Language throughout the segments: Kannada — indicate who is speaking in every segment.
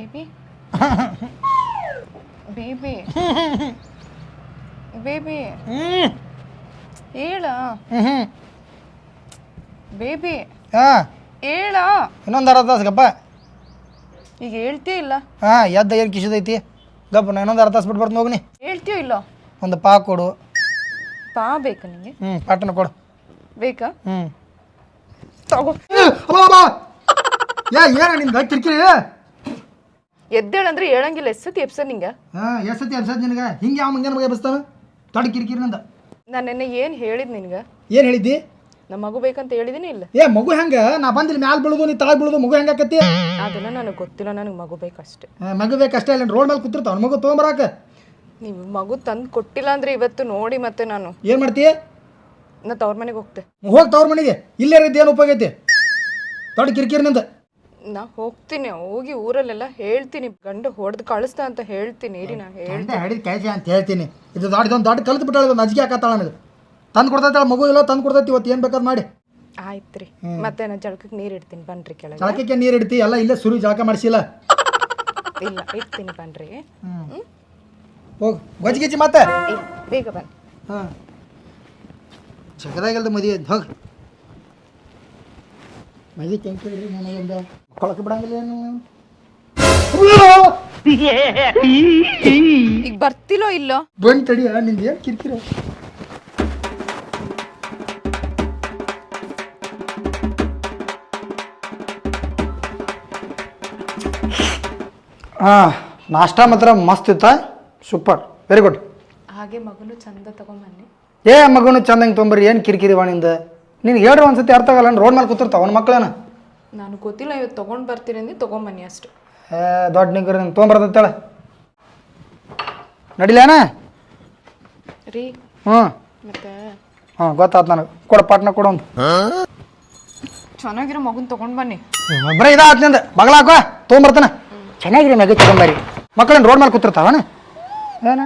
Speaker 1: ಬೇಬಿ ಬೇಬಿ ಬೇಬಿ ಹೇಳ ಬೇಬಿ ಹೇಳ
Speaker 2: ಇನ್ನೊಂದು ಅರ್ಧ ತಾಸು ಗಪ್ಪ
Speaker 1: ಈಗ ಹೇಳ್ತೀಯ ಇಲ್ಲ
Speaker 2: ಎದ್ದ ಏನು ಕಿಶದೈತಿ ಗಪ್ಪ ನಾ ಇನ್ನೊಂದು ಅರ್ಧ ತಾಸು ಬಿಟ್ಟು ಬರ್ತೀನಿ ಹೋಗ್ನಿ
Speaker 1: ಹೇಳ್ತೀಯೋ ಇಲ್ಲೋ
Speaker 2: ಒಂದು ಪಾ ಕೊಡು
Speaker 1: ಪಾ ಬೇಕಾ ನಿಂಗೆ
Speaker 2: ಪಾಟನ ಕೊಡು
Speaker 1: ಬೇಕಾ ತಗೋ
Speaker 2: ಏನ ನಿಂದ ಕಿರಿಕಿರಿ
Speaker 1: ಎದ್ದೇಳಂದ್ರೆ ಹೇಳಂಗಿಲ್ಲ ಎಸ್ಸತಿ ಎಪ್ಸದ್ ನಿಂಗೆ
Speaker 2: ಎಷ್ಟತಿ ಎಬ್ಸದ್ ನಿನಗೆ ಹಿಂಗೆ ಯಾವ ಮುಂಜಾನೆ ಬಗ್ಗೆ ಎಬ್ಸ್ತಾವ ದೊಡ್ಡ ಕಿರಿಕಿರಿ ನಂದ
Speaker 1: ನಾನು ನಿನ್ನೆ ಏನು ಹೇಳಿದ್ ನಿನ್ಗೆ
Speaker 2: ಏನು ಹೇಳಿದ್ದಿ
Speaker 1: ನಮ್ಮ ಮಗು ಬೇಕಂತ ಹೇಳಿದೀನಿ ಇಲ್ಲ
Speaker 2: ಮಗು ಹೆಂಗೆ ನಾ ಬಂದಿಲ್ಲ ಮ್ಯಾಲ ಬೀಳುದು ನೀ ತಳ ಬೀಳುದು ಮಗು ಹೆಂಗೆ ಆಕತಿ
Speaker 1: ಅದೆಲ್ಲ ನನಗೆ ಗೊತ್ತಿಲ್ಲ ನನಗೆ ಮಗು ಬೇಕಷ್ಟೇ
Speaker 2: ಮಗು ಬೇಕಷ್ಟೇ ಇಲ್ಲ ರೋಡ್ ಮೇಲೆ ಕೂತಿರ್ತಾವ ಮಗು ತೊಗೊಂಬರಾಕ
Speaker 1: ನೀವು ಮಗು ತಂದು ಕೊಟ್ಟಿಲ್ಲ ಅಂದ್ರೆ ಇವತ್ತು ನೋಡಿ ಮತ್ತೆ ನಾನು
Speaker 2: ಏನು ಮಾಡ್ತೀಯ
Speaker 1: ನಾ ತವ್ರ ಮನೆಗೆ ಹೋಗ್ತೆ
Speaker 2: ಹೋಗಿ ತವ್ರ ಮನೆಗೆ ಇಲ್ಲೇ ರೀತಿ ಏನು ಉಪಯೋಗ ಐತಿ ದೊಡ್ಡ ಕಿರಿಕಿರಿನಿಂದ
Speaker 1: ನಾ ಹೋಗ್ತೀನಿ ಹೋಗಿ ಊರಲ್ಲೆಲ್ಲ ಹೇಳ್ತೀನಿ ಗಂಡು ಹೊಡೆದು ಕಳಿಸ್ತಾ ಅಂತ ಹೇಳ್ತೀನಿ ಇರಿ ನಾ ಹೇಳ್ತೀನಿ
Speaker 2: ಹಿಡಿದು ಕಳಿಸಿ ಅಂತ ಹೇಳ್ತೀನಿ ಇದು ದೊಡ್ಡ ಕಲ್ತು ಬಿಟ್ಟಾಳ ಒಂದು ಅಜ್ಜಿಗೆ ಹಾಕತ್ತಾಳ ನನಗೆ ತಂದು ಕೊಡ್ತೈತಾಳ ಮಗು ಇಲ್ಲ ತಂದು ಕೊಡ್ತೈತಿ ಇವತ್ತು ಏನು ಬೇಕಾದ್ ಮಾಡಿ
Speaker 1: ಆಯ್ತು ರೀ ಮತ್ತೆ ನಾನು ಜಳಕಕ್ಕೆ ನೀರು ಇಡ್ತೀನಿ ಬನ್ರಿ ಕೆಳಗೆ
Speaker 2: ಜಳಕಕ್ಕೆ ನೀರು ಇಡ್ತಿ ಎಲ್ಲ ಇಲ್ಲೇ ಸುರು ಜಳಕ ಮಾಡಿಸಿಲ್ಲ
Speaker 1: ಇಲ್ಲ ಇಡ್ತೀನಿ ಬನ್ರಿ
Speaker 2: ಹೋಗಿ ಗೊಜ್ಜಿಗಿಜ್ಜಿ ಮತ್ತೆ
Speaker 1: ಬೇಗ ಬನ್ನಿ
Speaker 2: ಹಾಂ ಜಗದಾಗಲ್ದ ಮದುವೆ ಹೋಗಿ ಮದುವೆ ಕೆಂಪು ನನಗೊಂದು ಮಕ್ಕಳಕ್ಕೆ ಬಿಡಂಗಿಲ್ಲ ಏನು
Speaker 1: ಈಗ ಬರ್ತಿಲೋ ಇಲ್ಲೋ
Speaker 2: ಬಂದು ತಡಿಯ ನಿಂದು ಏನು ಕಿರಿಕಿರಿ ಹಾಂ ನಾಷ್ಟ ಮಾತ್ರ ಮಸ್ತ್ ಇತ್ತ ಸೂಪರ್ ವೆರಿ ಗುಡ್
Speaker 1: ಹಾಗೆ ಮಗನು ಚಂದ ತಗೊಂಬನ್ನಿ
Speaker 2: ಮಗನು ಚಂದಂಗೆ ತೊಂಬರಿ ಏನು ಕಿರಿಕಿರಿ ವಾಣಿಂದ ನೀನು ಹೇಳ್ರಿ ಒಂದ್ಸತಿ ಅರ್ಥ ಆಗಲ್ಲ ರೋಡ್ ಮೇಲೆ ಕೂತಿರ್ತಾವ ಅವ್ನ ಮಕ್ಳೇನ
Speaker 1: ನಾನು ಗೊತ್ತಿಲ್ಲ ಇವತ್ತು ತೊಗೊಂಡು ಬರ್ತೀನಿ ಅಂದು ತೊಗೊಂಬನ್ನಿ ಅಷ್ಟು
Speaker 2: ದೊಡ್ಡ ನಿಗ್ರಿ ನೀನು ತೊಗೊಂಬರ್ತೇಳ ನಡಿಲೇನ
Speaker 1: ರೀ
Speaker 2: ಹ್ಞೂ
Speaker 1: ಮತ್ತೆ
Speaker 2: ಗೊತ್ತಾಯ್ತು ನನಗೆ ಕೊಡ ಪಾಟ್ನ ಕೊಡೊಂದು
Speaker 1: ಚೆನ್ನಾಗಿರೋ ಮಗುನ ತೊಗೊಂಡು ಬನ್ನಿ
Speaker 2: ಬರೀ ಇದಾತ್ ನಿಂದ ಬಗಲಾಕ ತೊಗೊಂಬರ್ತಾನೆ ಚೆನ್ನಾಗಿರಿ ಮಗ ತೊಗೊಂಬರಿ ಮಕ್ಕಳನ್ನ ರೋಡ್ ಮೇಲೆ ಕೂತಿರ್ತಾವನ ಏನ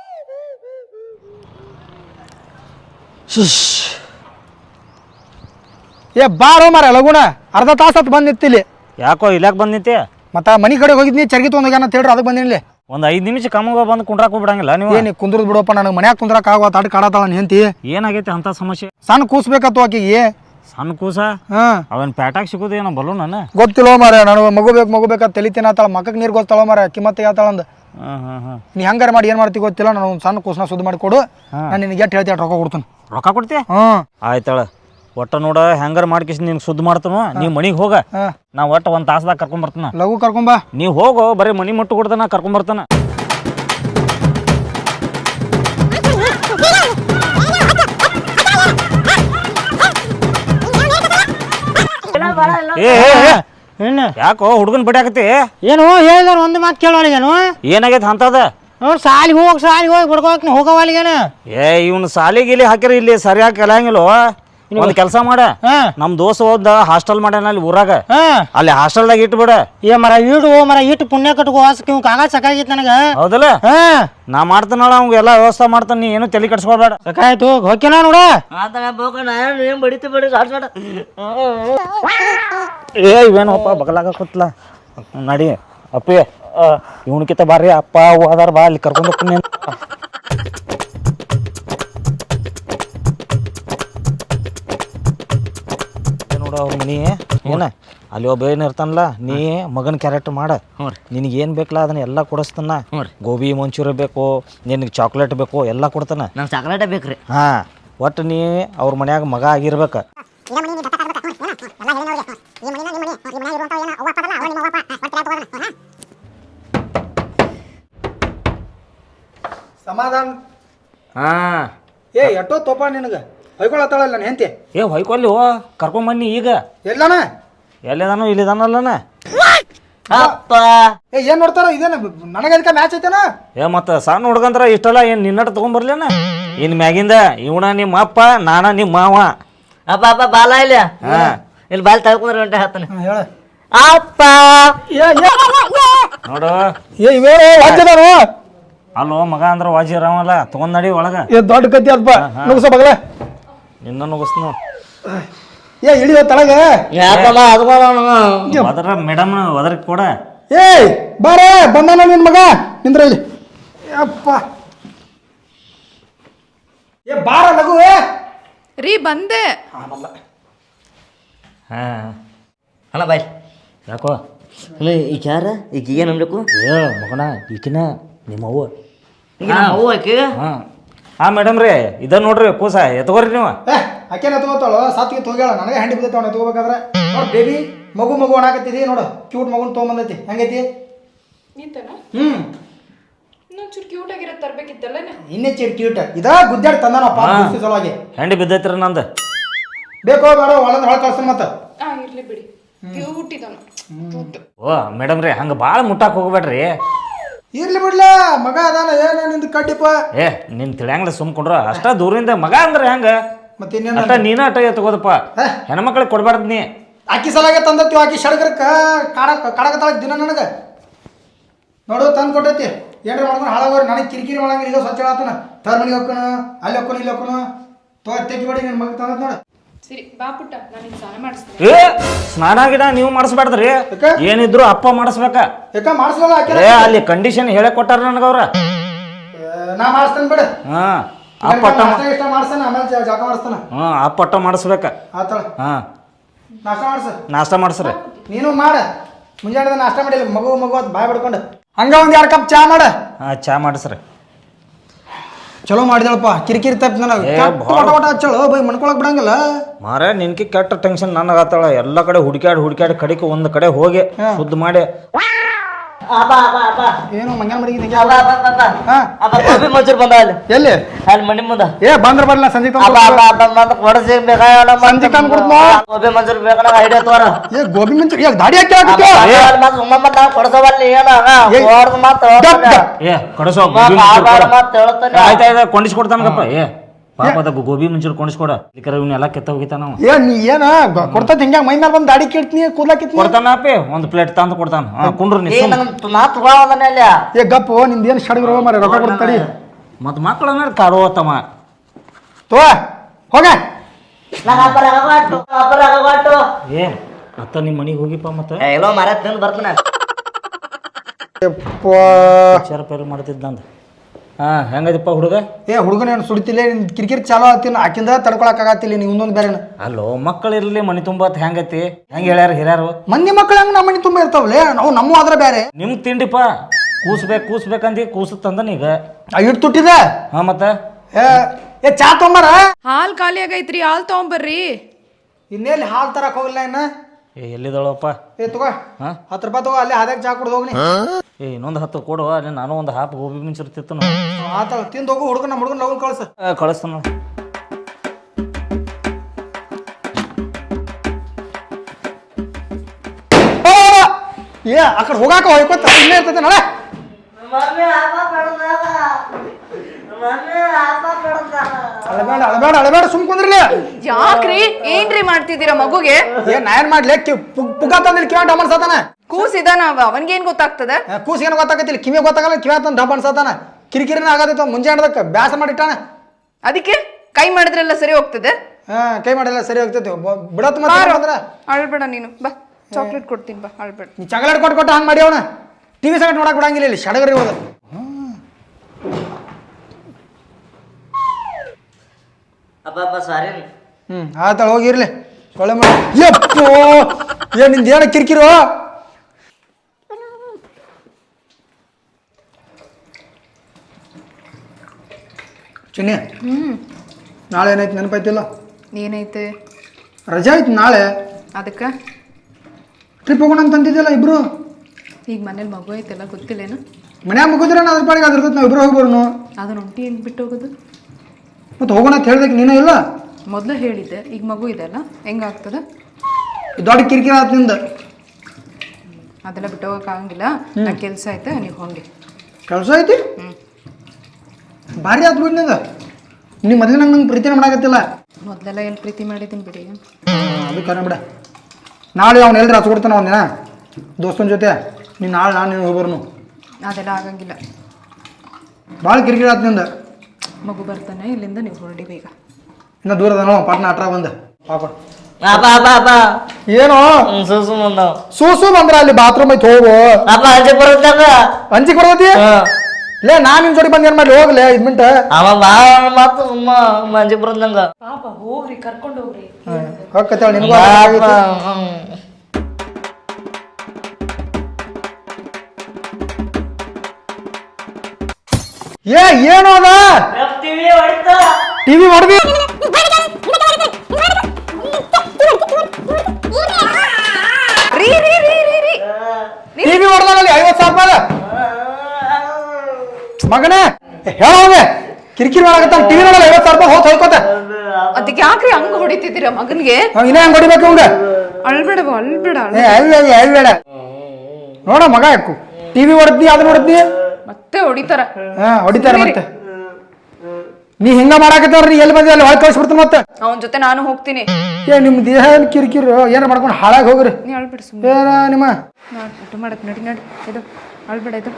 Speaker 2: ಬಾರೋ ಮಾರ ಲಗುಣ ಅರ್ಧ ತಾಸು ಹತ್ತು ಬಂದು ನಿಂತಿಲ್ಲಿ
Speaker 3: ಯಾಕೋ ಇಲ್ಲಾಕ್ ಬಂದ್ ನಿಂತೆ
Speaker 2: ಮತ್ತು ಮನೆ ಕಡೆ ಹೋಗಿದ್ನಿ ಚರ್ಗಿ ತೊಗೊಂಡೋಗ್ಯಾನ ಅಂತ ಹೇಳ್ರಿ ಅದಕ್ಕೆ ಬಂದಿನಿ
Speaker 3: ಒಂದು 5 ನಿಮಿಷ ಕಮ್ಮಗ ಬಂದು ಕುಂಡ್ರಾಕ್ ಬಿಡಂಗಿಲ್ಲ ನೀವು
Speaker 2: ಏನು ಕುಂದ್ರದ್ ಬಿಡಪ್ಪ ನನಗೆ ಮನ್ಯಾಗ ಕುಂದ್ರಾಕ ಆಗೋ ತಾಟ್ ಕಾಡತಾಳ ಹೆಂತಿ
Speaker 3: ಏನಾಗೈತೆ ಅಂತ ಸಮಸ್ಯೆ
Speaker 2: ಸಣ್ಣ ಕೂಸ್ಬೇಕತ್ತು ಆಕಿಗೆ
Speaker 3: ಸಣ್ಣ ಕೂಸ
Speaker 2: ಹಾಂ
Speaker 3: ಅವನ್ ಪ್ಯಾಟಾಕ್ ಸಿಗೋದು ಏನೋ ಬಲು ನಾನು
Speaker 2: ಗೊತ್ತಿಲ್ಲೋ ಮಾರ ನನಗೆ ಮಗು ಬೇಕಂತ ತಲಿತೀನಿ ಆತಾಳ ಮಕ್ಕಕ್ಕೆ ನೀರು ಗೊತ್ತಾಳ ಮಾರ ಕಿಮ್ಮತ್ತೆ ಆತಾಳಂದ ನೀ ಹಂಗಾರ ಮಾಡಿ ಏನು ಮಾಡ್ತಿ ಗೊತ್ತಿಲ್ಲ ನಾನು ಒಂದು ಸಣ್ಣ ಕೂಸನ ಸುದ್ದಿ ಮಾಡಿ ಕೊಡು ನಾನು ನಿನಗೆ ಎಷ್ಟು ಹೇಳ್ತೀನಿ ರೊಕ್ಕ ಕೊಡ್ತೀನಿ
Speaker 3: ರೊಕ್ಕ ಕೊಡ್ತೀಯ ಆಯ್ತಾಳ ಒಟ್ಟ ನೋಡ ಹೆಂಗಾರ ಮಾಡ್ಕಿಸ್ ನಿನ್ ಸುದ್ದಿ ಮಾಡ್ತಾನು ನೀವ್ ಮನಿಗೆ ಹೋಗ ನಾ ಒಟ್ಟ ಒಂದ್ ತಾಸದಾಗ ಕರ್ಕೊಂಡ್ ಬರ್ತಾನ
Speaker 2: ಲಘು ಕರ್ಕೊಂಬ
Speaker 3: ನೀವ್ ಹೋಗೋ ಬರೀ ಮನಿ ಮುಟ್ಟು ಕೊಡ್ತಾನ ಕರ್ಕೊಂಡ್ ಬರ್ತಾನ ಯಾಕೋ ಹುಡುಗನ್ ಬಿಡಾಕತಿ
Speaker 4: ಏನು ಹೇಳಿದಾರ ಒಂದು ಮಾತು ಕೇಳೋಳಿಗೇನು
Speaker 3: ಏನಾಗೈತೆ ಅಂತದ
Speaker 4: ಸಾಲಿಗೆ ಹೋಗಿ ಬಿಡ್ಕೋಕ್ ಹೋಗೋವಲ್ಲಿಗೇನು
Speaker 3: ಇವ್ನು ಸಾಲಿಗಿಲಿ ಹಾಕಿರಿ ಇಲ್ಲಿ ಸರಿಯಾಗಿ ಕಲಿಯಂಗಿಲ್ಲ ಒಂದ್ ಕೆಲಸ ಮಾಡ ನಮ್ ದೋಸ್ತ ಹೋದ ಹಾಸ್ಟೆಲ್ ಮಾಡ್ಯಾನ ಅಲ್ಲಿ ಊರಾಗ ಅಲ್ಲಿ ಹಾಸ್ಟೆಲ್ದಾಗ ಇಟ್ಬಿಡ
Speaker 4: ಇಟ್ಟು ಪುಣ್ಯ ಕಟ್ಕೋ ಇವ್ ಕಾಗ ಸಾಕಾಗಿತ್ತು ನನಗ
Speaker 3: ಹೌದಲ್ಲ ನಾ ಮಾಡ್ತಾನಳ ಅವ್ಗೆ ಎಲ್ಲಾ ವ್ಯವಸ್ಥೆ ಮಾಡ್ತಾನ ನೀ ಏನು ತಲೆ ಕಟ್ಸ್ಕೊಬೇಡ
Speaker 4: ಸಾಕಾಯ್ತು ಹೋಗ್ಯಾನ ನೋಡ
Speaker 3: ಇವೇನಪ್ಪ ಬಗಲಾಗ ಕೂತ್ಲ ನಡಿ ಅಪ್ಪಿ ಇವನ್ಕಿತ ಬಾರಿ ಅಪ್ಪ ಹೋದಾರ ಬಾ ಅಲ್ಲಿ ಕರ್ಕೊಂಡ್ ಹೋಗ್ತೀನಿ ನೋಡ ಅವ್ರ ಮನಿ ಏನ ಅಲ್ಲಿ ಒಬ್ಬ ಏನ್ ಇರ್ತಾನಲ್ಲ ನೀ ಮಗನ್ ಕ್ಯಾರೆಕ್ಟರ್ ಮಾಡ ನಿನಗೆ ಏನ್ ಬೇಕಲ್ಲ ಅದನ್ನ ಎಲ್ಲಾ ಕೊಡಿಸ್ತಾನ ಗೋಬಿ ಮಂಚೂರಿ ಬೇಕು ನಿನಗೆ ಚಾಕ್ಲೇಟ್ ಬೇಕು ಎಲ್ಲಾ ಕೊಡ್ತಾನ
Speaker 4: ನಂಗೆ ಚಾಕ್ಲೇಟೇ ಬೇಕ್ರಿ
Speaker 3: ಒಟ್ಟು ನೀ ಅವ್ರ ಮನ್ಯಾಗ ಮಗ ಆಗಿರ್ಬೇಕ
Speaker 2: ಸಮಾಧಾನ ಎಷ್ಟೋ ತೋಪ ನಿನಗೆ ಹೊಯ್ಕೊಳತ್ತಾಳಲ್ಲ ನಾನು ಹೆಂತಿ
Speaker 3: ಹೊಯ್ಕೊಲ್ಲಿ ಕರ್ಕೊಂಡ್ ಬನ್ನಿ ಈಗ
Speaker 2: ಎಲ್ಲಾನ
Speaker 3: ಎಲ್ಲಿದಾನು ಇಲ್ಲಿದಾನಲ್ಲನ
Speaker 2: ಏನ್ ನೋಡ್ತಾರ ಇದೇನ ನನಗೆ ಅದಕ್ಕೆ ಮ್ಯಾಚ್ ಐತೆನ
Speaker 3: ಮತ್ತ ಸಣ್ಣ ಹುಡುಗಂದ್ರ ಇಷ್ಟಲ್ಲ ಏನ್ ನಿನ್ನಟ ತಗೊಂಡ್ಬರ್ಲೇನ ಇನ್ ಮ್ಯಾಗಿಂದ ಇವನ ನಿಮ್ಮ ಅಪ್ಪ ನಾನ ನಿಮ್ಮ ಮಾವ
Speaker 4: ಅಪ್ಪ ಅಪ್ಪ ಬಾಲ ಇಲ್ಲ ಇಲ್ಲಿ ಬಾಲ್ ತಗೊಂಡ್ರೆ ಗಂಟೆ ಹಾಕ್ತಾನೆ
Speaker 2: ಹೇಳ
Speaker 4: ಅಪ್ಪ
Speaker 3: ನೋಡು ಅಲ್ಲೋ ಮಗ ಅಂದ್ರ ವಾಜಿ ಇರಾವಲ್ಲ ತಗೊಂಡ್ ನಡಿ ಒಳಗ
Speaker 2: ದೊಡ್ಡ ಕತ್ತಿ ಅದಪ್ಪ ನುಗ್ಸ ಬಗಲ
Speaker 3: ನಿನ್ನ ನುಗ್ಸ್ನು
Speaker 2: ಇಳಿಯೋ ತಳಗ
Speaker 3: ಅದ್ರ ಮೇಡಮ್ ಒದರ್ಕ್ ಕೊಡ
Speaker 2: ಏಯ್ ಬಾರೇ ಬಂದಾನ ನಿನ್ ಮಗ ನಿಂದ್ರ ಇಲ್ಲಿ ಅಪ್ಪ ಏ ಬಾರ ಲಘು
Speaker 1: ರೀ ಬಂದೆ.
Speaker 3: ಹಾಂ
Speaker 4: ಅಣ್ಣ ಬಾಯ್.
Speaker 3: ಯಾಕೋ
Speaker 4: ಅಲ್ಲ ಈಗ ಯಾರ ಈಗ ಏನು ಅನ್ಬೇಕು?
Speaker 3: ಏ ಮಗನ ಈಕಿನ ನಿಮ್ಮವ್ವ.
Speaker 4: ಈಗ ನಮ್ಮ ಅವ್ವ ಆಕಿ.
Speaker 3: ಹಾಂ ಹಾಂ ಮೇಡಮ್ ರೀ ಇದ ನೋಡ್ರಿ ಕೂಸ ಎತ್ಕೋರಿ ನೀವು.
Speaker 2: ಆಕೆನ ತಗೋತಾಳು ಸಾತ್ಗೆ ಹೋಗ್ಯಾಳ ನನಗೆ ಹಂಡಿ ಬಿದ್ದೈತೆ ಅವನ ತಗೋಬೇಕಾದ್ರೆ ನೋಡ್ ಬೇಬಿ ಮಗು ಮಗು ಅಣಾಕತ್ತಿದಿ ನೋಡು ಕ್ಯೂಟ್ ಮಗುನ್ ತೊಗೊಂಬಂದೈತಿ ಹೆಂಗೈತಿ
Speaker 1: ಇನ್ನೊಂಚೂರು ಕ್ಯೂಟ್ ಆಗಿರೋದು ತರ್ಬೇಕಿತ್ತಲ್ಲ.
Speaker 2: ಇನ್ನೇ ಚಿರ್ ಕ್ಯೂಟ್ ಇದ ಗುದ್ದಾಡಿ ತಂದಾನಪ್ಪ ಸಲುವಾಗಿ
Speaker 3: ಹೆಂಡಿ ಬಿದ್ದೈತ್ರಿ ನಂದು.
Speaker 2: ಬೇಕೋ ಬೇಡ ಒಳಂದ್ ಹೊಳ ಕಳ್ಸನ್ ಮತ್ತ
Speaker 1: ಇರ್ಲಿ ಬಿಡಿ, ಕ್ಯೂಟ್ ಇದಾನ.
Speaker 3: ಓ ಮೇಡಮ್ ರೀ ಹಂಗೆ ಭಾಳ ಮುಟ್ಟಾಕ್ ಹೋಗ್ಬೇಡ್ರಿ.
Speaker 2: ಇರ್ಲಿ ಬಿಡ್ಲ ಮಗ ಅದಾನ ಏನ ನಿಂದು ಕಡ್ಡಿಪ್ಪ.
Speaker 3: ಏ ನಿನ್ ತಿಳಿಯಂಗ್ಲ ಸುಮ್ಕೊಂಡ್ರ ಅಷ್ಟ ದೂರಿಂದ ಮಗ ಅಂದ್ರೆ ಹೆಂಗ
Speaker 2: ಮತ್ತೆ ಇನ್ನೇನು
Speaker 3: ಅಷ್ಟ ನೀನ ಅಟ ಎತ್ಕೋದಪ್ಪ. ಹೆಣ್ಮಕ್ಳಿಗೆ ಕೊಡ್ಬಾರ್ದು ನೀ.
Speaker 2: ಆಕಿ ಸಲಾಗೆ ತಂದತ್ತೀವಿ ಆಕಿ ಸಡಗರಕ್ಕ ಕಾಡಕತ್ತಾಳ ದಿನ ನನಗೆ ನೋಡು ತಂದು ಕೊಟ್ಟೈತಿ ಏನ್ರ ಮಾಡ್ಕೊಂಡು ಹಾಳಾಗೋರಿ ನನಗೆ ಕಿರಿಕಿರಿ ಮಾಡಂಗಿಲ್ಲ. ಈಗ ಸ್ವಚ್ಛ ಆತನ ತರ್ ಮನೆಗೆ ಹೋಗ್ಕೊಣ ಅಲ್ಲಿ ಹೋಗ್ಕೊಣ ಇಲ್ಲಿ ಹೋಗ್ಕೊಣ ತೆಗಿ ಬಿಡಿ ನಿನ್ನ ಮಗ ತಂದತ್ ನೋಡು.
Speaker 1: ಸರಿ ಬಾ ಪುಟ್ಟ, ನಾನು ಸ್ನಾನ ಮಾಡಿಸ್ತೀನಿ.
Speaker 3: ಏ ಸ್ನಾನ ಗಿಡ ನೀವು ಮಾಡಿಸ್ಬೇಡ್ದ್ರಿ. ಏನಿದ್ರು ಅಪ್ಪ ಮಾಡಿಸ್ಬೇಕ.
Speaker 2: ಯಾಕ ಮಾಡಿಸ್ಲಲ್ಲ ಆಕಿ
Speaker 3: ಏ ಅಲ್ಲಿ ಕಂಡೀಷನ್ ಹೇಳಕ್ ಕೊಟ್ಟಾರ ನನಗವ್ರ.
Speaker 2: ನಾ ಮಾಡಿಸ್ತೇನೆ ಬಿಡು.
Speaker 3: ಹಾ ಅಪ್ಪಟ್ಟ
Speaker 2: ಇಷ್ಟ ಮಾಡಿಸ್ತಾನ ಆಮೇಲೆ ಜಾಗ ಮಾಡಿಸ್ತಾನ.
Speaker 3: ಹಾ ಅಪ್ಪಟ್ಟ ಮಾಡಿಸ್ಬೇಕ.
Speaker 2: ಆತಾಳ
Speaker 3: ಹಾ
Speaker 2: ನಾಷ್ಟ ಮಾಡ್ಸ.
Speaker 3: ನಾಷ್ಟ ಮಾಡಿಸ್ರಿ.
Speaker 2: ನೀನು ಮಾಡ ಮುಂಜಾನೆ ನಾಷ್ಟ ಮಾಡಿಲ್ಲ ಮಗು ಮಗು ಅಂತ ಬಾಯ್ ಬಡ್ಕೊಂಡು ಹಂಗ ಒಂದ್ 2 ಕಪ್ ಚಾ ಮಾಡ.
Speaker 3: ಹಾ ಚಾ ಮಾಡಿಸ್ರಿ.
Speaker 2: ಚಲೋ ಮಾಡಿದಳಪ್ಪ ಕಿರಿಕಿರಿ ತಪ್ಪ ನನಗೆ ಹಚ್ಚಳು ಬೈ ಮನ್ಕೊಳಕ್ ಬಿಡಂಗಿಲ್ಲ.
Speaker 3: ಮಾರ ನಿನ್ಕಿ ಕೆಟ್ಟ ಟೆನ್ಷನ್ ನನಗಾತಾಳ. ಎಲ್ಲ ಕಡೆ ಹುಡುಕ್ಯಾಡಿ ಕಡೆಗೆ ಒಂದ್ ಕಡೆ ಹೋಗಿ ಶುದ್ಧ ಮಾಡಿ
Speaker 2: ಏನು ಮಂಗ್ಯಾನ ಮರಿಗೆ
Speaker 4: ಗೋಬಿ ಮಂಚೂರಿ ಬಂದ ಅಲ್ಲಿ
Speaker 2: ಎಲ್ಲಿ
Speaker 4: ಅಲ್ಲಿ ಮನಿ ಮುಂದ.
Speaker 2: ಏ ಬಂದ್ರ ಬರ್ಲ ಸಂಜೆ
Speaker 4: ಕೊಡಸಿ
Speaker 2: ಸಂಜೆ ತಂದು ಕೊಡ್ತು.
Speaker 4: ಗೋಬಿ ಮಂಚೂರಿ ಬೇಕಲ್ಲ ಐಡಿಯಾ ತೋರ.
Speaker 2: ಏ ಗೋಬಿ ಮಂಚೂರಿ ಯಾಕೆ ದಾಡಿ ಹಾಕಿ
Speaker 4: ಕೊಡಸವಲ್ಲಿ ಏನ ಮಾತು
Speaker 3: ಏ ಕಡಸೋ ಆಯ್ತಾಯ್ತ ಕೊಂಡಿಸ್ಕೊಡ್ತಾನಗಪ್ಪ. ಏ ಪಾಪದ ಗೋಬಿ ಮುಂಚೂರು ಕೊಂಡಿಸ್ಕೊಡ ಇವನ್ನೆಲ್ಲ ಕೆತ್ತ ಹೋಗಿತಾನ.
Speaker 2: ಏ ನೀ ಏನ ಕೊಡ್ತದ ಹಿಂಗ ಮೈ ಮೇಲೆ ಬಂದು ದಾಡಿ ಕೇಳ್ತೀನಿ ಕೂದ್ಲಾಕಿತ್ನಿ
Speaker 3: ಕೊಡ್ತಾನಪ್ಪಿ ಒಂದು ಪ್ಲೇಟ್ ತಂದು ಕೊಡ್ತಾನ. ಕುಂಡ್ರು ನೀ
Speaker 4: ನಾ ತಗೋದನೆ ಅಲ್ಲಿ.
Speaker 2: ಏ ಗಪ್ಪು ನಿಂದ ಏನು ಸಡಗರ ಮಾರ ರೊಕ್ಕ ಕೊಡ್ತಾಡಿ
Speaker 3: ಮತ್ ಮಕ್ಕಳ ಮೇಲೆ ಕಾರೋತಮ್ಮ
Speaker 2: ತೋ ಹೋಗ.
Speaker 3: ಏ ಅತ್ತ ನಿಮ್ಮ ಮನಿಗೆ ಹೋಗಿಪ್ಪ ಮತ್ತೆ
Speaker 4: ಎಲ್ಲೋ ಮರ ತಿಂದು ಬರ್ತಾನೆ.
Speaker 3: ರೂಪಾಯಿ ಮಾಡ್ತಿದ್ದಂದ. ಹಾ ಹೆಂಗದಿಪ್ಪ ಹುಡುಗ?
Speaker 2: ಏ ಹುಡುಗನ ಏನು ಸುಡ್ತಿಲ್ಲ ನಿನ್ ಕಿರಿಕಿರಿ ಚಾಲೋ ಆತಿನ ಆಕಿಂದ ತಡ್ಕೊಳಕ್ ಆಗತ್ತಿಲ್ಲ ನೀವು ಇನ್ನೊಂದು ಬೇರೆ.
Speaker 3: ಅಲ್ಲೋ ಮಕ್ಕಳು ಇರ್ಲಿ ಮನಿ ತುಂಬತ್ ಹೆಂಗತಿ ಹೆಂಗ ಹೇಳ್ಯಾರ ಹಿರಿಯಾರು?
Speaker 2: ಮಂದಿ ಮಕ್ಳು ಹೆಂಗ ನಮ್ಮ ಮನೆ ತುಂಬ ಇರ್ತಾವಲ್ಲ ನಾವು ನಮ್ಮ ಆದ್ರೆ ಬೇರೆ.
Speaker 3: ನಿಮ್ಗೆ ತಿಂಡಿಪ್ಪ ಕೂಸ್ಬೇಕಂದಿ ಕೂಸುತ್ತಂದ ಈಗ
Speaker 2: ಇಟ್ಟು ತುಟ್ಟಿದೆ.
Speaker 3: ಹಾ ಮತ್ತ
Speaker 2: ಏ ಚಾ ತೊಂಬಾರ.
Speaker 1: ಹಾಲು ಖಾಲಿ ಆಗೈತ್ರಿ, ಹಾಲು ತಗೊಂಬರ್ರಿ.
Speaker 2: ಇನ್ನೆಲ್ಲಿ ಹಾಲು ತರಕ್ ಹೋಗಿಲ್ಲ ಇನ್ನ.
Speaker 3: ಏ ಎಲ್ಲಿದಳಪ್ಪ?
Speaker 2: ಏ ತಗೋ 10 ರೂಪಾಯಿ ತಗೋ ಅಲ್ಲಿ ಹಾದಾಗ ಚಾ ಕುಡ್ದು ಹೋಗ್ನಿ.
Speaker 3: ಏ ಇನ್ನೊಂದು 10 ಕೊಡು ಅಲ್ಲಿ ನಾನು ಒಂದು ಹಾಪ್ ಗೋಬಿ ಮಿಂಚಿರ್ತಿತ್ತು.
Speaker 2: ಆತ ತಿಂದು ಹೋಗು ಹುಡುಗ ನಮ್ಮ ಹುಡುಗನ ಲಗನ್ ಕಳ್ಸ.
Speaker 3: ಕಳಿಸ್ತಾನ.
Speaker 2: ಏ ಆ ಕಡೆ ಹೋಗಾಕ ಹೋಯ್ಕೋತ ಇಲ್ಲೇ ಇರ್ತೈತೆ ನಾಳೆ. ಅಳಬೇಡ ಸುಮ್ ಕುಂದ್ರಲಿ.
Speaker 1: ಯಾಕ್ರಿ ಏನ್ರಿ ಮಾಡ್ತಿದ್ದೀರಾ ಮಗುಗೆ?
Speaker 2: ಏ ನಾ ಏನ್ ಮಾಡ್ಲಿ ಪುಗ ತಂದಿಲ್ಲ ಕಿವ್ಯಾ ಡಬ್ ಅನ್ಸತಾನ.
Speaker 1: ಕೂಸಿದಾನ ಅವನ್ಗೇನ್ ಗೊತ್ತಾಗ್ತದ?
Speaker 2: ಕೂಸ್ ಏನು ಗೊತ್ತಾಗತ್ತಿಲ್ಲ ಕಿವಿ ಗೊತ್ತಾಗಲ್ಲ ಕಿವ್ಯಾ ತಂದ್ ಡಬ್ ಅನ್ಸತಾನ. ಕಿರಿಕಿರಿನ ಆಗತ್ತೈತ ಮುಂಜಾನದಕ್ಕೆ ಬ್ಯಾಸ ಮಾಡಿಟ್ಟಾನ.
Speaker 1: ಅದಕ್ಕೆ ಕೈ ಮಾಡಿದ್ರೆಲ್ಲ ಸರಿ ಹೋಗ್ತದೆ.
Speaker 2: ಕೈ ಮಾಡಿಲ್ಲ ಸರಿ ಹೋಗ್ತೈತಿ ಬಿಡತ್ ಮಾತ್ರ.
Speaker 1: ಅಳ್ಬೇಡ ನೀನು, ಬಾ ಚಾಕ್ಲೇಟ್ ಕೊಡ್ತೀನಿ, ಬಾ ಅಳ್ಬೇಡ.
Speaker 2: ನೀ ಚಾಕ್ಲೇಟ್ ಕೊಟ್ಟು ಹಂಗೆ ಮಾಡಿ ಅವನ ಟಿವಿ ಸಗಟ್ ನೋಡಕ್ ಬಿಡಂಗಿಲ್ಲ ಇಲ್ಲಿ ಸಡಗರಿ ಹೋದ.
Speaker 4: ಅಪ್ಪ ಸಾರಿ.
Speaker 2: ಆತಾಳ ಹೋಗಿರ್ಲಿ ಒಳ್ಳೆ ಮಾಡಿ. ಯಪ್ಪೋ ಏ ನಿಂದ ಏನ ಕಿರಿಕಿರು? ಚಿನ್ನಿ ನಾಳೆ ಏನಾಯ್ತು ನೆನಪಾಯ್ತಿಲ್ಲ?
Speaker 1: ಏನೈತೆ?
Speaker 2: ರಜೆ ಆಯ್ತು ನಾಳೆ.
Speaker 1: ಅದಕ್ಕೆ
Speaker 2: ಟ್ರಿಪ್ ಹೋಗೋಣ ಅಂತಂತಿದ್ದಿಲ್ಲ ಇಬ್ರು.
Speaker 1: ಈಗ ಮನೇಲಿ ಮಗು ಐತೆಲ್ಲ ಗೊತ್ತಿಲ್ಲೇನು?
Speaker 2: ಮನ್ಯಾಗ ಮುಗಿದ್ರೆ ಅದ್ರ ಪಾಡಿಗೆ ಅದಿರ್ತೈತೆ ನಾವು ಇಬ್ರು ಹೋಗಿ ಬರೋನು.
Speaker 1: ಅದನ್ನ ಒಂಟಿ ಹೆಂಗ್ ಬಿಟ್ಟು ಹೋಗೋದು?
Speaker 2: ಮತ್ತೆ ಹೋಗೋಣ ಅಂತ ಹೇಳ್ದಕ್ಕೆ ನೀನೇ ಇಲ್ಲ.
Speaker 1: ಮೊದಲು ಹೇಳಿದ್ದೆ, ಈಗ ಮಗು ಇದೆ ಅಲ್ಲ ಹೆಂಗಾಗ್ತದೆ?
Speaker 2: ದೊಡ್ಡ ಕಿರಿಕಿರಿ ಆಯ್ತು ನಿಂದ.
Speaker 1: ಅದೆಲ್ಲ ಬಿಟ್ಟು ಹೋಗೋಕ್ಕಾಗಂಗಿಲ್ಲ. ನಾ ಕೆಲಸ ಐತೆ, ನೀವು ಹೋಗಿ.
Speaker 2: ಕೆಲಸ ಐತಿ ಭಾರಿ ಆಯ್ತು ಬಿಡಿ ನಿಂದ. ನೀ ಮೊದಲು ನಂಗೆ ಪ್ರೀತಿನ ಮಾಡಾಕತ್ತಿಲ್ಲ.
Speaker 1: ಮೊದಲೆಲ್ಲ ಎಲ್ಲಿ ಪ್ರೀತಿ ಮಾಡಿದ್ದೀನಿ ಬಿಡಿ.
Speaker 2: ಅದು ಕರೆ ಬಿಡ. ನಾಳೆ ಅವ್ನು ಎಲ್ರಿ ಹಚ್ಕೊಡ್ತಾನೆ ಒಂದಿನ ದೋಸ್ತನ ಜೊತೆ. ನೀನು ನಾಳೆ ನಾನು ಹೋಗ್ಬರ್ನು.
Speaker 1: ಅದೆಲ್ಲ ಆಗಂಗಿಲ್ಲ.
Speaker 2: ಭಾಳ ಕಿರಿಕಿರಿ ಆಯ್ತು ನಿಂದ.
Speaker 1: ಮಗು ಬರ್ತಾನೆ, ಇಲ್ಲಿಂದ ನೀವು ಹೊರಡಿ ಬೇಗ.
Speaker 2: ಇನ್ನೂ ದೂರ ಅದ ನಾವು ಪಾಟ್ನ ಅಟ್ರ ಬಂದ ಪಾಪ.
Speaker 4: ಅಪ್ಪ ಅಪ್ಪ ಅಪ್ಪ
Speaker 2: ಏನೋ
Speaker 4: ಸುಸು ಬಂದವ
Speaker 2: ಸೂಸು ಬಂದ್ರ ಅಲ್ಲಿ ಬಾತ್ರೂಮ್ ಐತಿ ಹೋಗು.
Speaker 4: ಅಪ್ಪ ಅಂಜೆ ಬರುತ್ತಾಗ
Speaker 2: ಅಂಜಿಕ್ ಬರ್ತೈತಿ ಲೇ ನಾನ್ ನಿನ್ ಜೋಡಿ ಬಂದ್ ಏನ್ ಮಾಡ್ಲಿ ಹೋಗ್ಲೇ 5 ಮಿನಿಟ್.
Speaker 4: ಅವ ಬಾ ಮಾತು ಸುಮ್ಮ ಅಂಜೆ ಬರುತ್ತಂಗ
Speaker 1: ಪಾಪ ಹೋಗ್ರಿ ಕರ್ಕೊಂಡು ಹೋಗ್ರಿ.
Speaker 2: ಹೋಗ್ಕತ್ತೇಳ ನಿನ್ಗೂ ಏನು ಅದ ಟಿವಿ ಹೊಡ್ದಿ ಟಿವಿ ಹೊಡ್ದಾನಲ್ಲಿ 50,000 ರೂಪಾಯಿ ಮಗನೇ ಹೇಳೋಗೆ ಕಿರಿಕಿರಿ ಮಾಡಕತ್ತ ಟಿವಿ ನೋಡಲ್ಲ 50,000 ರೂಪಾಯಿ ಹೋತ್ ಹೋಯ್ಕೋತ.
Speaker 1: ಅದಕ್ಕೆ ಯಾಕ್ರಿ ಹಂಗ ಹೊಡಿತಿದ್ದೀರಾ ಮಗನ್ಗೆ?
Speaker 2: ಇನ್ನೇ ಹಂಗ್ ಹೊಡಿಬೇಕು ಇವಂಗ.
Speaker 1: ಅಳ್ಬೇಡ ಅಳ್ಬೇಡ
Speaker 2: ಅಳ್ಬೇಡ ನೋಡ ಮಗ ಟಿವಿ ಹೊಡೆದ್ನಿ ಅದನ್ನ ಹೊಡೆದ್ನಿ
Speaker 1: ಮತ್ತೆ ಹೊಡಿತಾರ.
Speaker 2: ಹೊಡಿತಾರ ಮತ್ತೆ ನೀ ಹಿಂಗ ಮಾಡಾಕತ್ತವ್ರಿ ಎಲ್ಲಿ ಬಂದಿ ಅಲ್ಲಿ ಹೊಳ್ ಕಳ್ಸಿಬಿಡ್ತೀನಿ ಮತ್ತೆ.
Speaker 1: ಅವನ ಜೊತೆ ನಾನು ಹೋಗ್ತೀನಿ.
Speaker 2: ನಿಮ್ ದೇಹ ಕಿರಿಕಿರಿ ಏನ ಮಾಡ್ಕೊಂಡು ಹಾಳಾಗಿ ಹೋಗ್ರಿ.
Speaker 1: ನೀ ಅಳ್ಬೇಡ ಸುಮ್ಮನೆ
Speaker 2: ನಿಮ್ಮ
Speaker 1: ಊಟ ಮಾಡಕ್ ನಡಿ ನಡಿ ಇದು ಅಳ್ಬೇಡ ಇದು.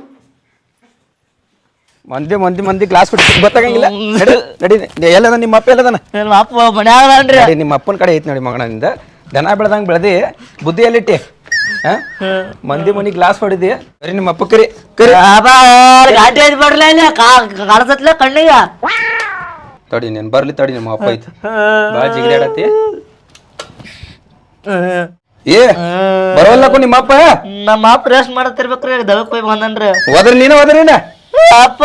Speaker 5: ಮಂದಿ ಗ್ಲಾಸ್ ಬಿಟ್ಟು ಗೊತ್ತಾಗಂಗಿಲ್ಲ. ನಡಿ ಎಲ್ಲದ ನಿಮ್ಮ ಅಪ್ಪ ಎಲ್ಲದನ?
Speaker 4: ನಿಮ್ಮ ಅಪ್ಪ ಮನ್ಯಾಗ
Speaker 5: ನಿಮ್ಮ ಅಪ್ಪನ ಕಡೆ ಐತಿ ನೋಡಿ ಮಗನಿಂದ ದನ ಬೆಳೆದಂಗೆ ಬೆಳೆದಿ ಬುದ್ಧಿ ಎಲ್ಲಿಟ್ಟಿ ಮಂದಿ ಮನಿ ಗ್ಲಾಸ್ ಹೊಡಿದಿ ಬರೀ ನಿಮ್ಮ ಅಪ್ಪ ಕರಿ ಕರಿ
Speaker 4: ಗಾಡಿ ಐತಿ ಬರ್ಲ ಇಲ್ಲ ಕಾಣಸತ್ಲ ಕಣ್ಣಿಗ
Speaker 5: ತಡಿ ನೀನ್ ಬರ್ಲಿ ತಡಿ ನಿಮ್ಮ ಅಪ್ಪ ಐತಿ ಬಾಳ ಜಿಗಿದಾಡತಿ ಏ ಬರೋಲ್ಲಕ್ಕೂ ನಿಮ್ಮ ಅಪ್ಪ
Speaker 4: ನಮ್ಮ ಅಪ್ಪ ರೆಸ್ಟ್ ಮಾಡತ್ತಿರ್ಬೇಕ್ರಿ ದಳಕ್ ಹೋಗಿ ಬಂದನ್ರಿ
Speaker 5: ಹೋದ್ರಿ ನೀನು ಹೋದ್ರಿನ
Speaker 4: ಅಪ್ಪ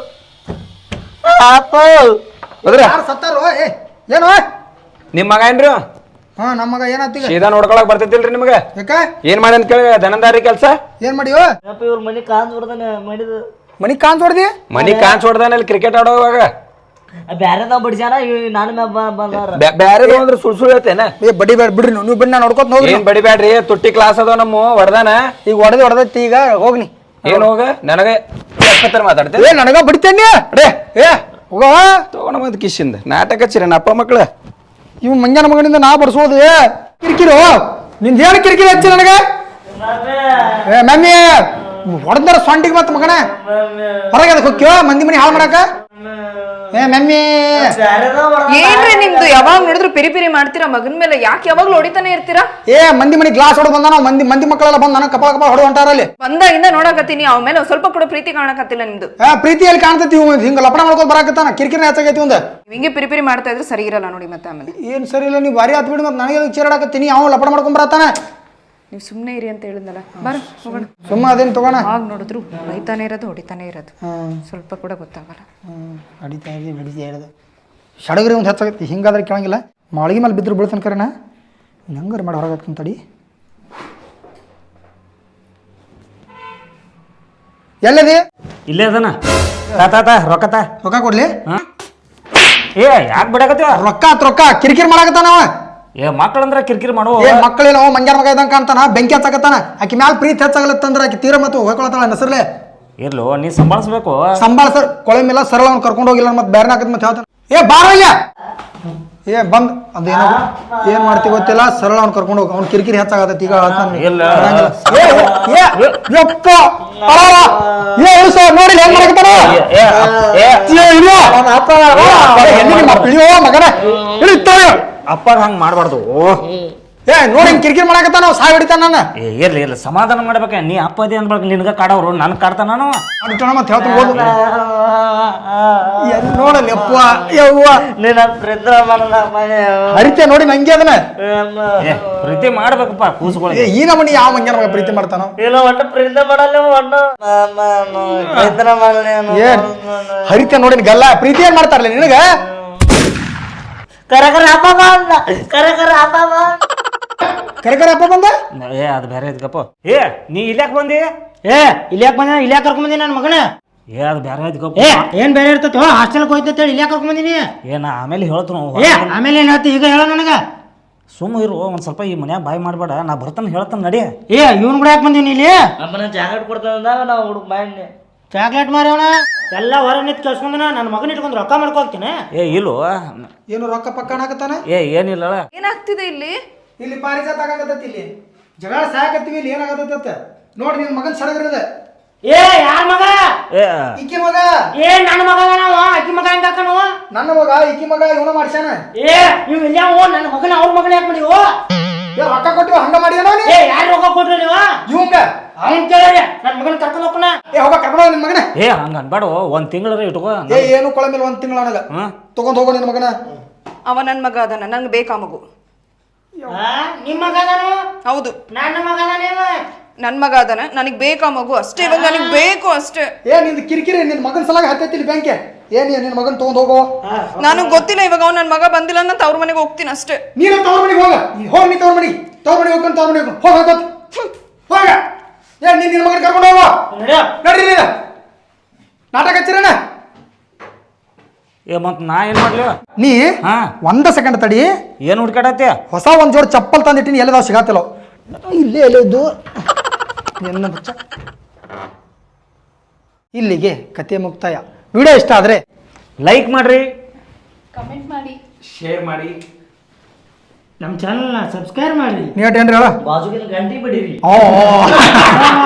Speaker 4: ಅಪ್ಪ
Speaker 5: ಹೋದ್ರ
Speaker 2: ಸತ್ತಾರು ಏನು
Speaker 5: ನಿಮ್ಮ ಮಗ ಏನ್ರಿ?
Speaker 2: ನಮ್ಮ ಮಗ ಏನಾತೀಗ
Speaker 5: ಸೀದಾ ನೋಡ್ಕೊಳಕ್ ಬರ್ತೈತಿಲ್ರಿ ನಿಮ್ಗೆ?
Speaker 2: ಯಾಕ
Speaker 5: ಏನ್ ಮಾಡಿ ಅಂತ ಕೇಳಿ ದನಂದಾರಿ ಕೆಲ್ಸ
Speaker 2: ಏನ್ ಮಾಡಿಯೋ?
Speaker 4: ಅಪ್ಪ ಇವ್ರ ಮನಿ ಕಾಂತ್ ಬಿಡ್ದಾನೆ ಮಾಡಿದ
Speaker 2: ಮನಿ ಕಾಂತ್ ಹೊಡ್ದಿ
Speaker 5: ಮನಿ ಕಾನ್ಸ್ ಹೊಡ್ದಾನಲ್ಲಿ ಕ್ರಿಕೆಟ್ ಆಡೋವಾಗ
Speaker 4: ಬ್ಯಾರೆ ನಾವ್ ಬಿಡ್ಸ್ಯಾನ ನಾನು ಬಂದಾರ
Speaker 5: ಬ್ಯಾರೆ ಅಂದ್ರೆ ಸುಳ್ ಹೇಳ್ತೇನ
Speaker 2: ಬಡಿ ಬೇಡ ಬಿಡ್ರಿ ನೀವು ಬನ್ನಿ ನಾನು ನೋಡ್ಕೊತ ಹೋಗ್ರಿ.
Speaker 5: ಏನ್ ಬಡಿಬ್ಯಾಡ್ರಿ ತುಟ್ಟಿ ಕ್ಲಾಸ್ ಅದಾವ ನಮ್ಮ ಹೊಡ್ದಾನ
Speaker 2: ಈಗ ಹೊಡೆದೈತಿ ಈಗ ಹೋಗ್ನಿ.
Speaker 5: ಏನ್ ಹೋಗ ನನಗೆ ಮಾತಾಡ್ತೇನೆ
Speaker 2: ನನಗ ಬಡಿತೇನೆ ರೇ ಹೋಗ
Speaker 5: ತಗೊಂಡ ಬಂದ್ ಕಿಶಿಂದ ನಾಟಕ ಹಚ್ಚಿರ ಅಪ್ಪ ಮಕ್ಳ
Speaker 2: ಇವ್ ಮಂಜಾನ ಮಗನಿಂದ ನಾ ಬಡ್ಸೋದು ಕಿರಿಕಿರು ನಿಂದ ಏನು ಕಿರಿಕಿರಿ ಹಚ್ಚಿ ನನಗೆ ಮಮ್ಮಿ ಹೊಡೆದಾರ ಸೊಂಡಿಗೆ ಮತ್ತ ಮಗನ ಹೊರಗೆ ಅದಕ್ಕೆ ಹೋಗ್ಯೋ ಮಂದಿ ಮನಿ ಹಾಳು ಮಾಡಾಕ ಮಮ್ಮಿ
Speaker 1: ಏನ್ರಿ ನಿಮ್ದು ಯಾವಾಗ ನೋಡಿದ್ರು ಪಿರಿ ಪಿರಿ ಮಾಡ್ತೀರಾ ಮಗನ್ ಮೇಲೆ? ಯಾಕೆ ಯಾವಾಗ್ಲೂ ಹೊಡಿತಾನೆ ಇರ್ತೀರಾ?
Speaker 2: ಮಂದಿ ಮನಿ ಗ್ಲಾಸ್ ಹೊಡೆದ್ ಬಂದ ಮಂದಿ ಮಕ್ಕಳೆಲ್ಲ ಬಂದ್ ನನಗೆ ಕಪಾಳ ಕಪಾಳ ಹೊಡೆದು ಹೊಂಟಾರ ಅಲ್ಲಿ
Speaker 1: ಬಂದಾಗಿಂದ ನೋಡಕತ್ತೀನಿ ಅವ ಮೇಲೆ ಸ್ವಲ್ಪ ಕೂಡ ಪ್ರೀತಿ ಕಾಣಕತ್ತಿಲ್ಲ ನಿಮ್ದು.
Speaker 2: ಪ್ರೀತಿಯಲ್ಲಿ ಕಾಣ್ತೈತಿ ಹಿಂಗ ಲಪಡ ಮಾಡ್ಕೊಂಡು ಬರಾಕತ್ತಾನ ಕಿರಿಕಿರಿ ಹೆಚ್ಚಾಗೈತಿ ಒಂದ್
Speaker 1: ಹಿಂಗೆ ಪಿರಿ ಪಿರಿ ಮಾಡ್ತಾ ಇದ್ರೆ ಸರಿ ಇರಲ್ಲ ನೋಡಿ ಮತ್ತೆ ಆಮೇಲೆ.
Speaker 2: ಏನ್ ಸರಿ ಇಲ್ಲ ನೀವು ಬಾರಿ ಹತ್ ಬಿಡಿ ಮತ್ತೆ ನನಗೆ ಚೇರಾಡಕತ್ತೀನಿ ಅವ ಲಪಡ ಮಾಡ್ಕೊಂಡ್ ಬರತ್ತಾನ.
Speaker 1: ನೀವು ಸುಮ್ಮನೆ ಇರಿ ಅಂತ ಹೇಳಿದ್ನಲ್ಲ ಬಾರ ಹೋಗೋಣ.
Speaker 2: ಸುಮ್ಮ ಅದೇನು ತಗೋಣ
Speaker 1: ಆಗ ನೋಡಿದ್ರು ಬೈತಾನೆ ಇರೋದು ಹೊಡಿತಾನೆ ಇರೋದು ಸ್ವಲ್ಪ ಕೂಡ ಗೊತ್ತಾಗಲ್ಲ.
Speaker 2: ಹೊಡಿತಾ ಇರೋದು ಸಡಗರಿ ಒಂದು ಹೆಚ್ಚಾಗೈತಿ ಹಿಂಗಾದ್ರೆ ಕೇಳಂಗಿಲ್ಲ. ಮಾಳಿಗೆ ಮೇಲೆ ಬಿದ್ರು ಬೀಳ್ತಾನೆ ಕರೆನಾ ಹಂಗಾರೆ ಮಾಡಿ ಹೊರಗಾಗ್ತಾನೆ ತಡಿ. ಎಲ್ಲದಿ
Speaker 3: ಇಲ್ಲೇ ಅದನ
Speaker 2: ರೊಕ್ಕ ಕೊಡ್ಲಿ?
Speaker 3: ಏ ಯಾಕೆ ಬಿಡಕತ್ತೀವ?
Speaker 2: ರೊಕ್ಕ ಕಿರಿಕಿರಿ ಮಾಡಾಕತ್ತಾನವ.
Speaker 3: ಏ ಮಕ್ಕಳಂದ್ರ ಕಿರಿಕಿರಿ ಮಾಡೋ
Speaker 2: ಮಕ್ಕಳೇನೋ ಮಂಗ್ಯಾರ ಮಗ ಇದ್ದಂಗೆ ಕಾಣ್ತಾನ ಬೆಂಕಿ ಹಚ್ಚಾಕತ್ತಾನ. ಆಕಿ ಮ್ಯಾಲ ಪ್ರೀತಿ ಹೆಚ್ಚಾಗಲತ್ತಂದ್ರ ಆಕಿ ತೀರ ಮತ್ತು ಹೋಗ್ಕೊಳತ್ತಾಳ ಹೆಸರ್ಲೆ
Speaker 3: ಇರ್ಲು ನೀ ಸಂಭಾಳಿಸ್ಬೇಕು.
Speaker 2: ಸರ್ ಕೊಳೆ ಮೇಲೆ ಸರಳ ಅವ್ನು ಕರ್ಕೊಂಡು ಹೋಗಿಲ್ಲ ಮತ್ತೆ ಬೇರೆ ಹಾಕತ್ ಮತ್ತೆ ಹೇಳ್ತಾನೆ ಬಾರಯ್ಯ ಬಂದ್ ಅದೇನೋ ಏನ್ ಮಾಡ್ತಿ ಗೊತ್ತಿಲ್ಲ ಸರಳ ಅವ್ನು ಕರ್ಕೊಂಡು ಹೋಗಿ ಅವ್ನು ಕಿರಿಕಿರಿ ಹೆಚ್ಚಾಗತ್ತೈತಿ ಈಗ ನೋಡಿ ಹೆಂಗ್ ಮಾಡಕತ್ತಾನ ಮಗನ
Speaker 3: ಅಪ್ಪ ಹಂಗ ಮಾಡ್ಬಾರ್ದು.
Speaker 2: ನೋಡಿ ಹಿಂಗ್ ಕಿರಿಕಿರಿ ಮಾಡಕತ್ತಾನ ನಾವು ಸಾಯ್ ಹೊಡಿತಾನ ನಾನು.
Speaker 3: ಇರ್ಲಿ ಸಮಾಧಾನ ಮಾಡ್ಬೇಕ. ನೀ ಅಪ್ಪ ಅದೇ ಅನ್ಬೇಕು ನಿನ್ಗ ಕಾಡವ್ರು ನನ್ ಕಾಡ್ತಾನ
Speaker 2: ಮತ್ತೆ ಹೇಳ್ತಾನೆ ನೋಡಲ್ಲ ಯವ್ವ ಹರಿತೆ ನೋಡಿ ನಂಗೆ ಅದನ್ನ
Speaker 3: ಪ್ರೀತಿ ಮಾಡ್ಬೇಕಪ್ಪ ಕೂಸ್ಕೊಳ್ಳಿ.
Speaker 2: ಈ ನಮ್ಮನಿ ಯಾವ ಮಂಗ್ಯಾನ ಮಗ ಪ್ರೀತಿ ಮಾಡ್ತಾನೋ
Speaker 4: ಇಲ್ಲ ಒಟ್ಟು ಪ್ರೀತಿ ಮಾಡಲ್ಲ
Speaker 2: ಹರಿತೆ ನೋಡಿ ಗಲ್ಲ ಪ್ರೀತಿ ಏನ್ ಮಾಡ್ತಾರಲ್ಲ ನಿನಗ
Speaker 4: ಕರಕರ ಹಬ್ಬ
Speaker 2: ಬಂದ
Speaker 3: ಏ ಅದು ಬೇರೆ ಐತ್ಕಪ್ಪ. ಏ ನೀ ಇಲ್ಯಾಕ್ ಬಂದಿ?
Speaker 6: ಇಲ್ಯಾಕ್ ಕರ್ಕೊಂಡ್ ಬಂದಿ ನನ್ನ ಮಗನ.
Speaker 3: ಏ ಅದು ಬೇರೆ ಐತ್ಕಪ್ಪ.
Speaker 6: ಏನ್ ಬೇರೆ ಇರ್ತೈತಿ ಹಾಸ್ಟೆಲ್ ಹೋಯ್ತೇಳಿ ಇಲ್ಯಾಕ್ ಕರ್ಕೊಂಡ್ ಬಂದಿನಿ?
Speaker 3: ಏನ ಆಮೇಲೆ ಹೇಳ್ತು
Speaker 6: ಆಮೇಲೆ ಏನ್ ಹೇಳ್ತಿ ಈಗ ಹೇಳ ನನಗ.
Speaker 3: ಸುಮ್ಮ ಇರು ಒಂದ್ ಸ್ವಲ್ಪ ಈ ಮನ್ಯಾಗ ಬಾಯ್ ಮಾಡ್ಬೇಡ. ನಾ ಬರ್ತಾನ ಹೇಳ್ತಾನ ನಡಿ.
Speaker 6: ಇವನ್ ಕೂಡ ಯಾಕೆ ಬಂದಿನಿ ಇಲ್ಲಿ?
Speaker 4: ಅಮ್ಮನ ಜಾಕೆಟ್ ಕೊಡ್ತಾನ ನಾವು ಹುಡುಗ ಬಾಯ್
Speaker 6: ಚಾಕ್ಲೇಟ್ ಮಾರವಣ ಎಲ್ಲ ಹೊರ ನಿಂತ್ ಕಳ್ಸ್ಕೊಂಡ ನನ್ನ ಮಗನ ಇಟ್ಕೊಂಡು ರೊಕ್ಕ ಮಾಡ್ಕೊಳ್ತೀನಿ.
Speaker 3: ಏ ಇಲ್ಲು
Speaker 2: ಏನು ರೊಕ್ಕ ಪಕ್ಕ ಹಾಕತ್ತಾನ?
Speaker 3: ಏನಿಲ್ಲ
Speaker 1: ಏನಾಗ್ತಿದೆ ಇಲ್ಲಿ?
Speaker 2: ಇಲ್ಲಿ ಪಾರಿಜಾತ ಆಗತ್ತೈತಿ ಇಲ್ಲಿ ಜಗಳ ಸಾಕತ್ತೀವಿ ಇಲ್ಲಿ ಏನಾಗತ್ತ ನೋಡಿ ನಿನ್ ಮಗನ್ ಸಡಗರದ.
Speaker 6: ಯಾರ ಮಗ?
Speaker 2: ಈಕಿ ಮಗ.
Speaker 6: ನನ್ನ ಮಗ ನಾವು ಅಕ್ಕಿ ಮಗ ಹೆಂಗ
Speaker 2: ನನ್ನ ಮಗ ಈಕಿ ಮಗ ಇವನ ಮಾಡ್ಸ್ಯಾನ.
Speaker 6: ಏ ನೀವು ಇಲ್ಲಾವು ನನ್ನ ಮಗನ ಅವ್ರ ಮಗನ ಯಾಕೆ ಮಾಡಿವು?
Speaker 2: ಏ ರೊಕ್ಕ ಕೊಟ್ಟಿವ ಹಂಗ ಮಾಡಿದೇನೋ ನೀ?
Speaker 6: ಏ ಯಾರು ರೊಕ್ಕ ಕೊಟ್ರಿ ನೀವು?
Speaker 2: ಇವಂಗ
Speaker 6: ಅವ್ನ್ ಕೇಳಿ ನನ್ನ ಮಗನ ಕರ್ಕೊಂಡು ಹೋಗ್ತಾನ.
Speaker 2: ಏ ಹೋಗ ಕರ್ಕೊಂಡು ನಿನ್ ಮಗನ.
Speaker 3: ಏ ಹಂಗ ಅನ್ಬೇಡ, ಒಂದ್ ತಿಂಗಳ ಇಟ್ಕೋ.
Speaker 2: ಏ ಏನು ಕೊಳಮಿಲ್ಲ, 1 ತಿಂಗಳ ನನಗ ತಗೊಂಡ್ ಹೋಗೋ ನಿನ್ ಮಗನ.
Speaker 1: ಅವ ನನ್ನ ಮಗ ಅದನ್ನ, ನಂಗೆ ಬೇಕಾ ಮಗು.
Speaker 6: ನಿಮ್ಮ ಮಗ ಅದಾನು?
Speaker 1: ಹೌದು
Speaker 6: ನನ್ನ ಮಗ ಅದಾನೇವ?
Speaker 1: ನನ್ನ ಮಗ ಅದನ್ನ, ನನಗೆ ಬೇಕಾ ಮಗು ಅಷ್ಟೇ. ಇವಾಗ ನನಗೆ ಬೇಕು ಅಷ್ಟೇ.
Speaker 2: ಏ ನಿಂದು ಕಿರಿಕಿರಿ ನಿನ್ ಮಗನ ಸಲಾಗ ಹತ್ತೈತಿಲಿ ಬ್ಯಾಂಕೆ. ಏನ್ ನಿನ್ ಮಗನ್ ತಗೊಂಡ್ ಹೋಗೋ.
Speaker 1: ನನಗೆ ಗೊತ್ತಿಲ್ಲ, ಇವಾಗ ಅವ್ನು ನನ್ನ ಮಗ ಬಂದಿಲ್ಲ ಅಂತ ಅವ್ರ ಮನೆಗೆ ಹೋಗ್ತೀನಿ ಅಷ್ಟೇ.
Speaker 2: ನೀನು ತವ್ರ ಮನೆಗೆ ಹೋಗ. ಹೋಗ್ ನೀ ತವ್ರ ಮನೆಗೆ ಹೋಗ್ಕೊಂಡು ತವ್ರ ಮನೆಗೆ ಹೋಗ ಹೋಗ. ಏ ನೀನ್ ನಿನ್ ಮಗನ ಕರ್ಕೊಂಡು ಹೋಗೋ. ನಡ್ರಿ ನೀನು ನಾಟಕ ಹಚ್ಚಿರಣ.
Speaker 3: ಏ ಮತ್ ನಾ ಏನ್ ಮಾಡ್ಲಿ?
Speaker 2: ನೀ
Speaker 3: ಹಾ
Speaker 2: 1 ಸೆಕೆಂಡ್ ತಡಿ.
Speaker 3: ಏನ್ ಹುಡ್ಕಾಡತ್ತೆ?
Speaker 2: ಹೊಸ ಒಂದ್ ಜೋಡಿ ಚಪ್ಪಲ್ ತಂದಿಟ್ಟಿನಿ, ಎಲ್ಲದಾವ್ ಸಿಗತ್ತಿಲ್ಲ. ಇಲ್ಲೇ ಇದ್ದು ನಿನ್ನ ಬಚ್ಚ. ಇಲ್ಲಿಗೆ ಕತೆ ಮುಕ್ತಾಯ. ವಿಡಿಯೋ ಇಷ್ಟ ಆದ್ರೆ
Speaker 3: ಲೈಕ್ ಮಾಡ್ರಿ,
Speaker 1: ಕಮೆಂಟ್ ಮಾಡಿ,
Speaker 5: ಶೇರ್ ಮಾಡಿ,
Speaker 6: ನಮ್ಮ ಚಾನಲ್ನ ಸಬ್ಸ್ಕ್ರೈಬ್ ಮಾಡಿ.
Speaker 2: ನೀವೇನ್ರಿ ಹೇಳ.
Speaker 4: ಬಾಜುಗಿನ ಗಂಟಿ ಬಿಡಿರಿ.
Speaker 2: ಓ